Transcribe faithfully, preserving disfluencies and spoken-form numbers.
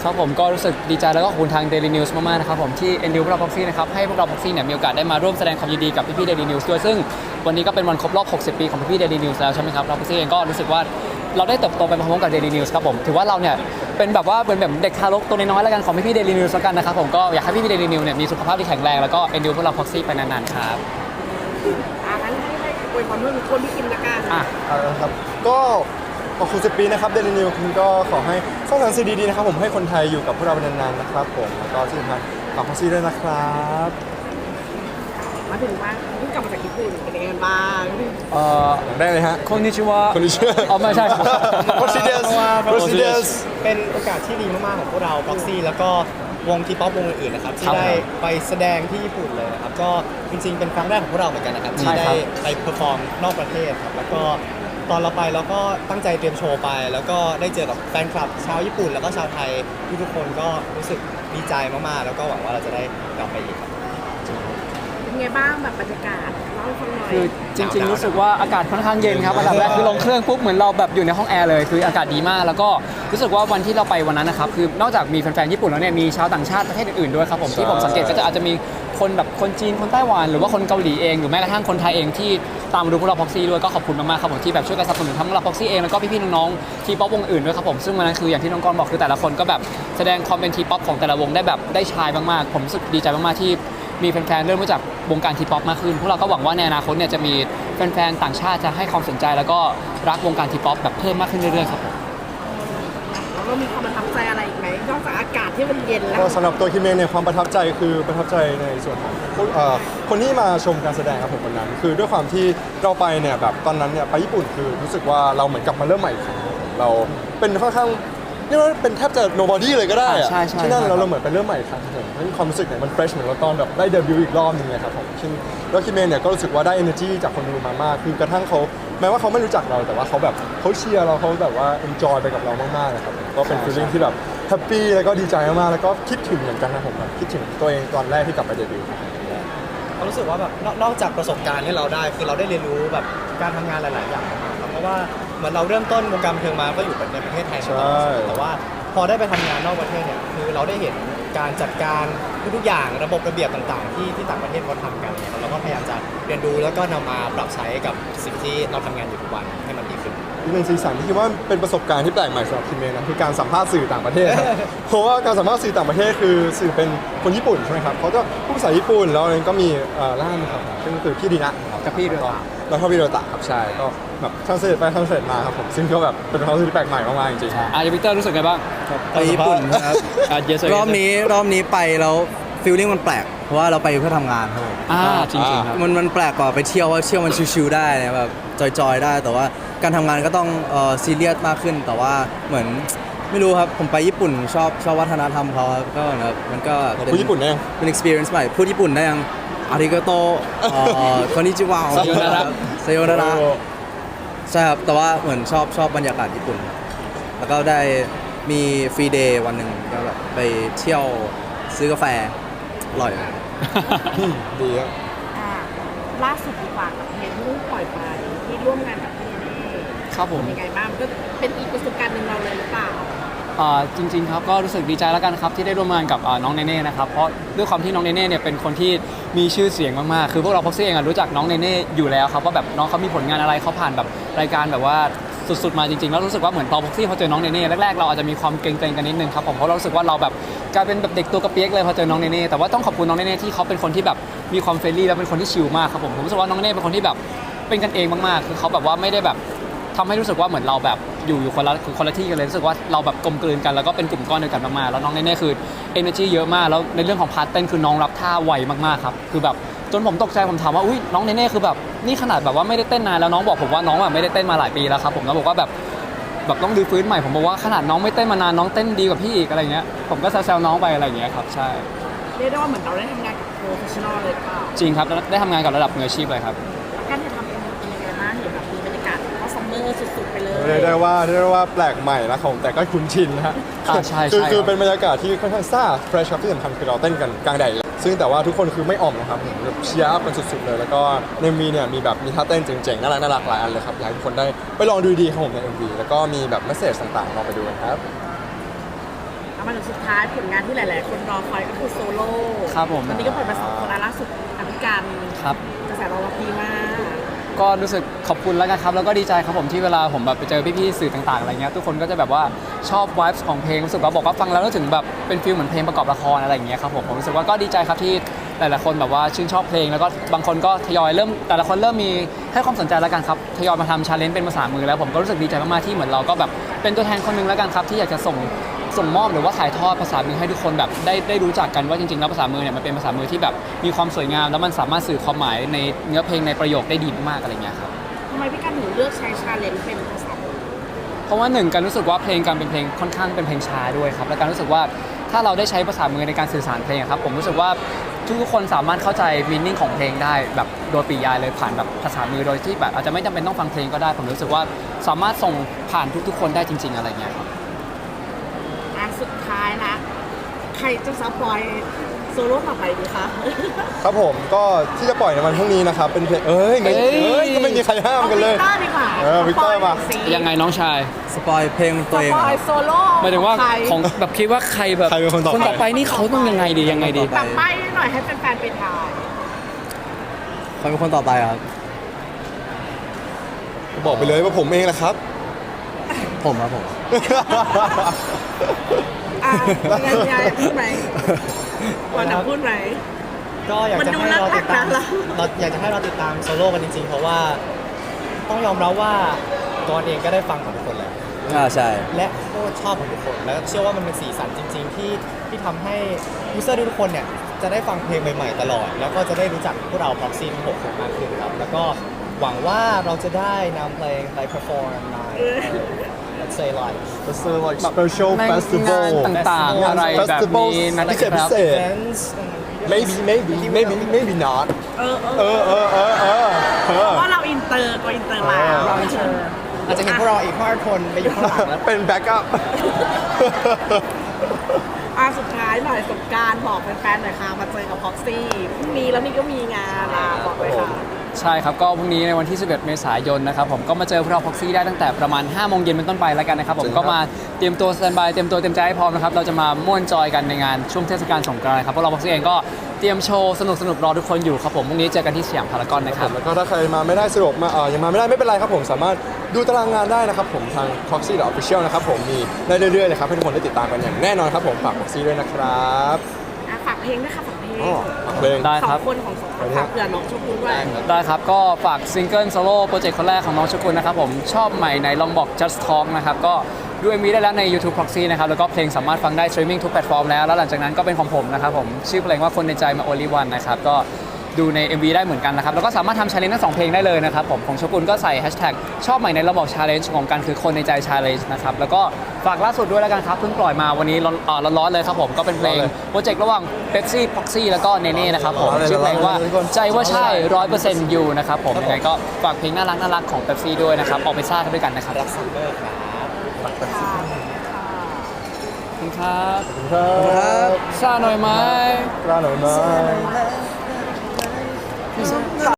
ครับผมก็รู้สึกดีใจแล้วก็ขอบคุณทาง Daily News มากๆนะครับผมที่เอ็นดูพวกเรา Proxy นะครับให้พวกเรา Proxy เนี่ยมีโอกาสได้มาร่วมแสดงความยินดีกับพี่ๆ Daily News ด้วยซึ่งวันนี้ก็เป็นวันครบรอบหกสิบปีของพี่ๆ Daily News แล้วใช่ไหมครับเรา Proxy เองก็รู้สึกว่าเราได้เติบโตไปพร้อมๆกับ Daily News ครับผมถือว่าเราเนี่ยเป็นแบบว่าเป็นแบบเด็กทารกตัวน้อยๆแล้วกันของพี่ๆ Daily News แล้วกันนะครับผมก็อยากให้พี่ๆ Daily News เนี่ยมีสุขภาพที่แข็งแรงแล้วก็เอ็นดูพวกเรา Proxy ไปนานๆครับอ่ะงั้นให้ให้อวยพรเพื่อนคนที่กินละกันอ่ะเอาละครับก็ขอบคุณสิบปีนะครับเดลินิวคุณก็ขอให้สร้างสรรค์สิ่งดีๆนะครับผมให้คนไทยอยู่กับพวกเราเป็นนานๆนะครับผมแล้วก็ที่สำคัญฝากพอซี่ด้วยนะครับมาถึงว่าเพิ่งกลับมาจากญี่ปุ่นเป็นยังไงบ้างเอ่อได้เลยฮะคอนนิชิวะคนนี้ชื่ออ๋อไม่ใช่ Procedures Procedures เป็นโอกาสที่ดีมากๆของพวกเรา Proxy แล้วก็วงทีป๊อปวงอื่นๆนะครับที่ได้ไปแสดงที่ญี่ปุ่นเลยนะครับก็จริงๆเป็นครั้งแรกของพวกเราเหมือนกันนะครับที่ได้ไปเพอร์ฟอร์มนอกประเทศครับแล้วก็ตอนเราไปเราก็ตั้งใจเตรียมโชว์ไปแล้วก็ได้เจอกับแฟนคลับชาวญี่ปุ่นแล้วก็ชาวไทยทุกๆคนก็รู้สึกดีใจมากๆแล้วก็หวังว่าเราจะได้กลับไปอีกครับเป็นไงบ้างแบบบรรยากาศเล่าให้ฟังหน่อยคือจริงๆรู้สึกว่าอากาศค่อนข้างเย็นครับอันดับแรกคือลงเครื่องปุ๊บเหมือนเราแบบอยู่ในห้องแอร์เลยคืออากาศดีมากแล้วก็รู้สึกว่าวันที่เราไปวันนั้นนะครับคือนอกจากมีแฟนๆญี่ปุ่นแล้วเนี่ยมีชาวต่างชาติประเทศอื่นๆด้วยครับผมที่ผมสังเกตก็จะอาจจะมีคนแบบคนจีนคนไต้หวันหรือว่าคนเกาหลีเองหรือแม้กระทั่งคนไทยเองที่ตามมาดูพวกเรา Proxy ด้วยก็ขอบคุณมากๆครับผมที่แบบช่วยกันสนับสนุนทั้งเรา Proxy เองแล้วก็พี่ๆน้องๆทีป๊อปวงอื่นด้วยครับผมซึ่งวันนั้นคืออย่างที่น้องกรบอกคือแต่ละคนก็แบบแสดงความเป็นทีป๊อปของแต่ละวงได้แบบได้ชายมากๆผมรู้สึกดีใจมากๆที่มีแฟนๆเริ่มรู้จักวงการทีป๊อปมากขึ้นพวกเราก็หวังว่าในอนาคตเนี่ยจะมีแฟนๆต่างชาติจะให้ความสนใจแล้วก็รักวงการทีป๊อปแบบเพิ่มมากขึ้นเรื่อยๆครับผมแล้วเรามีความประทับใจอะไรอีกไหมนอกจากอากาศที่มันเย็นแล้วก็สำหรับตัวคิมเองเนี่ยความประทับใจคือประทับใจในส่วนของเอ่อคนที่มาชมการแสดงครับผมวันนั้นคือด้วยความที่เราไปเนี่ยแบบตอนนั้นเนี่ยไปญี่ปุ่นคือรู้สึกว่าเราเหมือนกลับมาเริ่มใหม่อีกครั้งเราเป็นค่อนข้างนี่ว่าเป็นแทบจะ nobody เลยก็ได้อะที่นั่นเราเราเหมือนเป็นเริ่มใหม่อีกครั้งหนึ่งเพราะความรู้สึกเนี่ยมัน fresh เหมือนเราตอนแบบได้เดบิวต์อีกรอบนึงเลยครับผมซึ่งแล้วคิมเองเนี่ยก็รู้สึกว่าได้ energy จากคนดูมามากคือกระทั่งเขาแม้ว่าเขาไม่รู้จักเราแต่ว่าเขาแบบเขาเชียร์เราเขาแบบว่า enjoy ไปกับเรามากๆเลยครับก็เป็น feeling ที่แบบแฮปปี้แล้วก็ดีใจมากๆแล้วก็คิดถึงเหมือนกันนะผมแบบคิดถึงตัวเองตอนแรกที่กลับไปเดบิวต์เรารู้สึกว่าแบบนอกจากประสบการณ์ที่เราได้คือเราได้เรียนรู้แบบการทำงานหลายๆอย่างครับเพราะว่าเหมือนเราเริ่มต้นวงการบันเทิงมาก็อยู่ในประเทศไทยมาตลอดแต่ว่าพอได้ไปทำงานนอกประเทศเนี่ยคือเราได้เห็นการจัดการทุกๆอย่างระบบระเบียบต่างๆที่ที่ต่างประเทศเขาทำกันเนี่ยเราก็พยายามจะเรียนรู้แล้วก็นำมาปรับใช้กับสิ่งที่เราทำงานอยู่ทุกวันให้มันดีขึ้นอีกหนึ่งสีสันที่คิดว่าเป็นประสบการณ์ที่แปลกใหม่สำหรับคิมเองนะคือการสัมภาษณ์สื่อต่างประเทศครับ เพราะว่าการสัมภาษณ์สื่อต่างประเทศคือสื่อเป็นคนญี่ปุ่นใช่ไหมครับเขาก็พูดภาษาญี่ปุ่นแล้วก็มีล่ามครับซึ่งคือพี่ดีนะครับกับพี่ด้วยแล้วก็พี่โดตะครับใช่ก็แบบทรานสเลทไปทรานสเลทมาครับผมซึ่งก็แบบเป็นความรู้สึกที่แปลกใหม่มากๆจริงๆอ่ะวิกเตอร์รู้สึกไงบ้างไปญี่ปุ่นครับรอบนี้รอบนี้ไปแล้วฟีลลิ่งมันแปลกเพราะว่าเราไปเพื่อทำงานครับผมอ่าจริงๆครับมันมันแปลกกว่าไปเที่ยวว่าเที่ยวมันชิลๆได้นะแบบจอยๆได้แต่ว่าการทำงานก็ต้องเอ่อซีเรียสมากขึ้นแต่ว่าเหมือนไม่รู้ครับผมไปญี่ปุ่นชอบชอบวัฒนธรรมเขาครับก็แบบมันก็พูดญี่ปุ่นได้ยังเป็น experience ใหม่พูดญี่ปุ่นได้ยังอาริโกโตคอนนิจิวะซาโยนาระซาโยนาระใช่ครับแต่ว่าเหมือนชอบชอบบรรยากาศญี่ปุ่นแล้วก็ได้มีฟรีเดย์วันหนึ่งก็แบบไปเที่ยวซื้อกาแฟอร่อยดีครับอ่าล่าสุดดีกว่ากับเพลงที่เพิ่งปล่อยไปที่ร่วมงานกับพี่เน่ครับผมเป็นยังไงบ้างก็เป็นอีกประสบการณ์หนึ่งเราเลยหรือเปล่าจริงๆครับก็รู้สึกดีใจแล้วกันครับที่ได้ร่วมงานกับน้องเนเน่นะครับเพราะด้วยความที่น้องเนเน่เนี่ยเป็นคนที่มีชื่อเสียงมากๆคือพวกเราพ็อกซี่เองรู้จักน้องเนเน่อยู่แล้วครับว่าแบบน้องเขามีผลงานอะไรเขาผ่านแบบรายการแบบว่าสุดๆมาจริงๆแล้วรู้สึกว่าเหมือนตอนพ็อกซี่พอเจอน้องเนเน่แรกๆเราอาจจะมีความเกรงๆกันนิดนึงครับผมเพราะเรารู้สึกว่าเราแบบกลายเป็นแบบเด็กตัวกระเปียกเลยพอเจอน้องเนเน่แต่ว่าต้องขอบคุณน้องเนเน่ที่เขาเป็นคนที่แบบมีความเฟรนลี่และเป็นคนที่ชิลมากครับผมผมรู้สึกว่าน้องเนเน่เป็นคนที่แบบเป็นกันเองมากๆคือเขาแบบว่าไม่ได้แบบทำให้รู้สึกว่าเหมือนเราแบบอยู่อยู่คนละคนละที่กันเลยรู้สึกว่าเราแบบกลมกลืนกันแล้วก็เป็นกลุ่มก้อนเดียวกันมากๆแล้วน้องเน่ๆคือ energy เยอะมากแล้วในเรื่องของพาร์ทเต้นคือน้องรับท่าไวมากๆครับคือแบบจนผมตกใจผมถามว่าอุ้ยน้องเน่ๆคือแบบนี่ขนาดแบบว่าไม่ได้เต้นนานแล้วน้องบอกผมว่าน้องแบบไม่ได้เต้นมาหลายปีแล้วครับผมแล้วบอกว่าแบบแบบต้องรื้อฟื้นใหม่ผมบอกว่าขนาดน้องไม่เต้นมานานน้องเต้นดีกว่าพี่อีกอะไรเงี้ยผมก็แซวๆน้องไปอะไรเงี้ยครับใช่เรียกได้ว่าเหมือนเราได้ทำงานกับโปรเฟชชั่นอลเลยเปล่าจริงครับได้ทำงานกับระดับมืออาชีพเลยครับการถ่ายทำเป็นยังไงบ้างเห็นแบบมีบรรยากาศก็ซัมเมอร์สุดๆไปเลยเรียกได้ว่าเรียกได้ว่าแปลกใหม่นะผมแต่ก็คุ้นชินนะฮะใช่คือคือเป็นบรรยากาศที่ค่อนข้างซ่าเฟรชครับที่สำคัญคือเราเต้นกันกลางแดดซึ่งแต่ว่าทุกคนคือไม่อ่อมนะครับแบบเชียร์อัพกันสุดๆเลยแล้วก็ในมีเนี่ยมีแบบมีท่าเต้นเจ๋งๆน่ารักน่ารักหลายอันเลยครับอยากให้ทุกคนได้ไปลองดูดีครับผมใน เอ็ม วี แล้วก็มีแบบเมสเสจต่างๆลองไปดูกันครับเเอามาถึงสุดท้ายผลงานที่หลาย ๆ คนรอคอยก็คือโซโล่ครับผมตอนนี้ก็ปล่อยมาสองคนแล้วล่าสุดอภิการครับกระแสตอบรับดีมากก็รู้สึกขอบคุณแล้วกันครับ แล้วก็ดีใจครับผมที่เวลาผมแบบไปเจอพี่ๆสื่อต่างๆอะไรเงี้ยทุกคนก็จะแบบว่าชอบ vibes ของเพลงรู้สึกว่าบอกว่าฟังแล้วรู้ถึงแบบเป็นฟีลเหมือนเพลงประกอบละครอะไรอย่างเงี้ยครับผมผมรู้สึกว่าก็ดีใจครับที่หลายๆคนแบบว่าชื่นชอบเพลงแล้วก็บางคนก็ทยอยเริ่มแต่ละคนเริ่มมีให้ความสนใจแล้วกันครับทยอยมาทำชาเลนจ์เป็นภาษามือแล้วผมก็รู้สึกดีใจมากๆที่เหมือนเราก็แบบเป็นตัวแทนคนหนึงแล้วกันครับที่อยากจะส่งส่งมอบหรือว่าถ่ายทอดภาษามือให้ทุกคนแบบได้ได้รู้จักกันว่าจริงๆแล้วภาษามือเนี่ยมันเป็นภาษามือที่แบบมีความสวยงามแล้วมันสามารถสื่อความหมายในเนื้อเพลงในประโยคได้ดีมากๆอะไรเงี้ยครับทำไมพี่การถึงเลือกใช้ชาเลนจ์เป็นภาษามือเพราะว่าหนึ่งการรู้สึกว่าเพลงการเป็นเพลงค่อนข้างเป็นเพลงช้าด้วยครับและการรู้สึกว่าถ้าเราได้ใช้ภาษามือในการสื่อสารเพลงอะครับผมรู้สึกว่าทุกๆคนสามารถเข้าใจมีนิ่งของเพลงได้แบบโดยปริยายเลยผ่านแบบภาษามือโดยที่แบบอาจจะไม่จำเป็นต้องฟังเพลงก็ได้ผมรู้สึกว่าสามารถส่งผ่านทุกๆ คนได้จริง ๆอะไรเงี้ยครับอ่ะสุดท้ายนะใครจะซัพพลายโซโล่ต่อไปดีคะครับผมก็ที่จะปล่อยในวันพรุ่งนี้นะครับเป็นเพลงเอ้ยไม่เอ้ยเอ้ยก็ไม่มีใครห้ามกันเลยอาวิกเตอร์ดีกว่าเออวิกเตอร์มาสปยหน่อยสิยังไงน้องชายสปอยเพลงสตัวเองปเหรออยโซโล่หมายถึงว่าใครของแบบคิดว่าใครแบบใครเป็นคนต่อไปคนต่อไปนี่เขาต้องยังไงดียังไงดีแบบใบ้หน่อยให้แฟนๆไปทายใครเป็นคนต่อไปครับบอกไปเลยว่าผมเองแหละครับผมครับผมอ่ะยังไงยังไงพูดไหมวันจะพูดไหมก็อยากมันจะดูให้เราน่าติดตามรักนะเราอยากจะให้เราติดตามโซโล่กันจริงๆ เพราะว่าต้องยอมรับว่ากอนเองก็ได้ฟังของทุกคนแล้วอ่าใช่และโคตรชอบของทุกคน แล้วเชื่อว่ามันเป็นสีสันจริง ๆ ที่ที่ทำให้ยูเซอร์ทุกคนเนี่ยจะได้ฟังเพลงใหม่ๆตลอด แล้วก็จะได้รู้จักพวกเรา Proxy ทั้งหกคนมากขึ้นครับ แล้วก็หวังว่าเราจะได้นำเพลงไป perform ใน let's say like It's a like special ใน festival งานต่างๆอะไรแบบนี้นะพิคเศษพิรับเศษ events maybe maybe maybe maybe not เออเออเออเออเออเออเอเพอราะว่าเราอินเตอร์ก็อินเตอร์แล้วเราเชิญอาจจะเห็นพวกเราอีกห้าคนไปอยู่ข้างหลังแล้วเป็นแบ็กอัพอ่ะสุดท้ายหน่อยสงกรารบอกแฟนๆหน่อยค่ะมาเจอกับพ็อกซี่พรุ่งนี้แล้วนี่ก็มีงานอ่ะบอกเลยค่ะใช่ครับก็พรุ่งนี้ในวันที่ สิบเอ็ด เมษายนนะครับผมก็มาเจอพวกเราพ็อกซี่ได้ตั้งแต่ประมาณห้าโมงเย็นเป็นต้นไปแล้วกันนะครับผมก็มาเตรียมตัวสแตนบายเตรียมตัวเตรียมใจให้พร้อมนะครับเราจะมาม่วนจอยกันในงานช่วงเทศกาลสงกรานต์ครับพวกเราพ็อกซี่เองก็เตรียมโชว์สนุกสนุกๆรอทุกคนอยู่ครับผมพรุ่งนี้เจอกันที่สยามพารากอนนะครับแล้วก็ถ้าใครมาไม่ได้สะดวกมาเออยังมาไม่ได้ไม่เป็นไรครับผมสามารถดูตารางงานได้นะครับผมทาง Proxy Official นะครับผมมีได้เรื่อยๆเลยครับให้ทุกคนได้ติดตามกันอย่างแน่นอนครับผมฝาก Proxy ด้วยนะครับอ่ะฝากเพลงด้วยค่ะฝากเพลงอ๋อฝากเพลงได้สอครับงคนของสองคนฝากเผื่อน้องชมพู่ด้วยได้ครับ ก็ฝากซิงเกิลโซโล่โปรเจกต์คนแรกของน้องชกุลนะครับผมชอบใหม่ในลองบอก just talk นะครับก็ดู เอ็ม วี ได้แล้วใน YouTube Proxy นะครับแล้วก็เพลงสามารถฟังได้ streaming ทุกแพลตฟอร์มแล้วแล้วหลังจากนั้นก็เป็นของผมนะครับผมชื่อเพลงว่าคนในใจมา only one นะครับก็ดูใน เอ็ม วี ได้เหมือนกันนะครับแล้วก็สามารถทำ challenge ทั้งสองเพลงได้เลยนะครับผมของชกุลก็ใส่ hashtag ชอบใหม่ในระบบ challenge ของกันคือคนในใจ challenge นะครับแล้วก็ฝากล่าสุดด้วยแล้วกันครับเพิ่งปล่อยมาวันนี้ร้อนอ่าร้อนๆเลยครับผมก็เป็นเพลงโปรเจกต์ระหว่าง Pepsi Proxy แล้วก็เนเน่นะครับผมชื่อเพลงว่าใจว่าใช่ ร้อยเปอร์เซ็นต์ อยู่นะครับผมยังไงก็ฝากเพลงน่ารักน่ารักของ Pepsi ด้วยนะครับออกไปซ่ากันด้วยกันนะครับรักซัมเมอร์ครับขอบคุณครับครับซ่าหน่อยไหมกล้าหน่อยไหม